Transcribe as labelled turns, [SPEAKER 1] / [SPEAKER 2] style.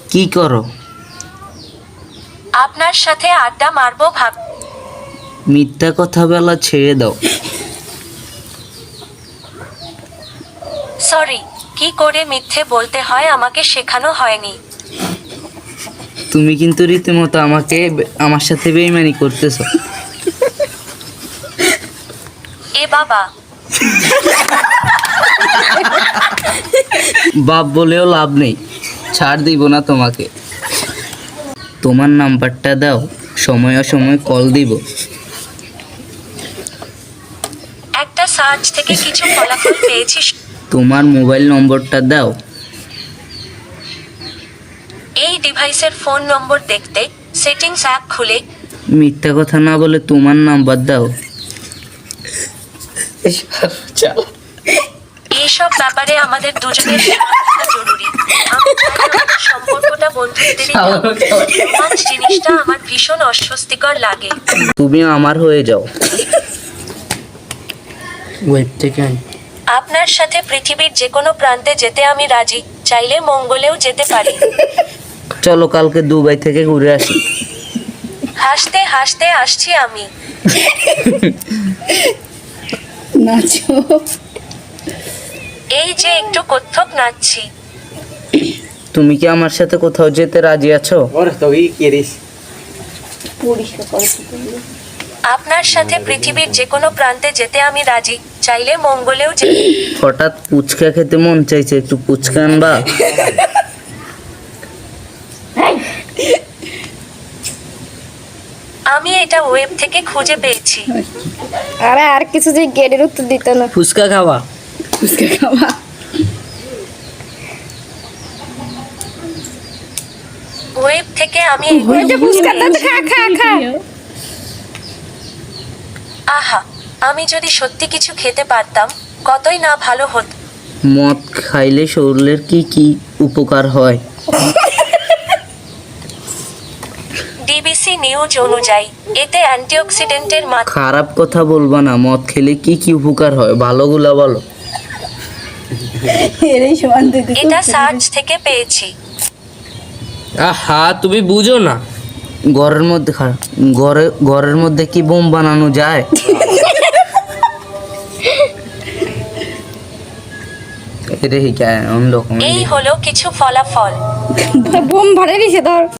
[SPEAKER 1] কি করো?
[SPEAKER 2] আপনার সাথে আড্ডা মারবো ভাব।
[SPEAKER 1] মিথ্যা কথা বলা ছেড়ে দাও।
[SPEAKER 2] সরি, কি করে মিথ্যে বলতে হয় আমাকে শেখানো হয়নি।
[SPEAKER 1] তুমি কিন্তু রীতিমতো আমার সাথে বেইমানি করতেছো।
[SPEAKER 2] এ বাবা,
[SPEAKER 1] বাপ বলেও লাভ নেই, ছাড় দিব না তোমাকে। তোমার নাম্বারটা দাও, সময় অসময় কল দিব।
[SPEAKER 2] একটা সার্চ থেকে কিছু ফলাফল পেয়েছি।
[SPEAKER 1] তোমার মোবাইল নম্বরটা দাও।
[SPEAKER 2] এই ডিভাইসের ফোন নম্বর দেখতে সেটিংস অ্যাপ খুলে
[SPEAKER 1] মিথ্যা কথা না বলে তোমার নাম্বার দাও।
[SPEAKER 2] এইসব ব্যাপারে আমাদের দুজনের সহযোগিতা জরুরি। আমি চাই আমাদের সম্পর্কটা বন্ধুত্বেরই থাক। রোমান্স জিনিসটা আমার ভীষণ অস্বস্তিকর লাগে।
[SPEAKER 1] তুমি আমার হয়ে যাও।
[SPEAKER 2] আপনার সাথে পৃথিবীর যে কোনো প্রান্তে যেতে আমি রাজি, চাইলে মঙ্গলেও যেতে পারি।
[SPEAKER 1] চলো কালকে দুবাই থেকে ঘুরে আসি।
[SPEAKER 2] হাসতে হাসতে আসছি আমি।
[SPEAKER 3] নাচো।
[SPEAKER 2] এই যে একটু কত্থক নাচছি।
[SPEAKER 1] তুমি কি আমার সাথে কোথাও যেতে রাজি আছো?
[SPEAKER 3] পরিষ্কার করো কি করলে?
[SPEAKER 2] আপনার সাথে পৃথিবীর যে কোনো প্রান্তে যেতে আমি রাজি, চাইলে মঙ্গলেও যেতে।
[SPEAKER 1] হঠাৎ পুচকা খেতে মন চাইছে, একটু পুচকা আনবা?
[SPEAKER 2] আমি এটা ওয়েব থেকে খুঁজে পেয়েছি।
[SPEAKER 3] আরে আর কিছু যে গেটের উত্তর দিত না।
[SPEAKER 1] ফুচকা খাওয়া?
[SPEAKER 3] ফুচকা খাওয়া।
[SPEAKER 2] ওয়েব থেকে আমি
[SPEAKER 3] ওইটা ফুচকা দাও, খা খা খা।
[SPEAKER 2] আহা, আমি যদি সত্যি কিছু খেতে পারতাম কতই না ভালো হতো।
[SPEAKER 1] মদ খাইলে শরীরের কি কি উপকার হয়?
[SPEAKER 2] ডিবিসি নিউজ অনুযায়ী এতে অ্যান্টিঅক্সিডেন্টের মাত্রা।
[SPEAKER 1] খারাপ কথা বলবা না, মদ খেলে কি কি উপকার হয় ভালোগুলা বলো।
[SPEAKER 3] এরই সমান দিতে।
[SPEAKER 2] এটা সার্চ থেকে পেয়েছি।
[SPEAKER 4] আহা, তুমি বুঝো না।
[SPEAKER 1] ঘরের মধ্যে ঘরের মধ্যে কি বোম বানানো যায়? এটা কি অন্য রকম।
[SPEAKER 2] এই হলো কিছু ফলাফল।
[SPEAKER 3] বোম ভরে দিছে ধর।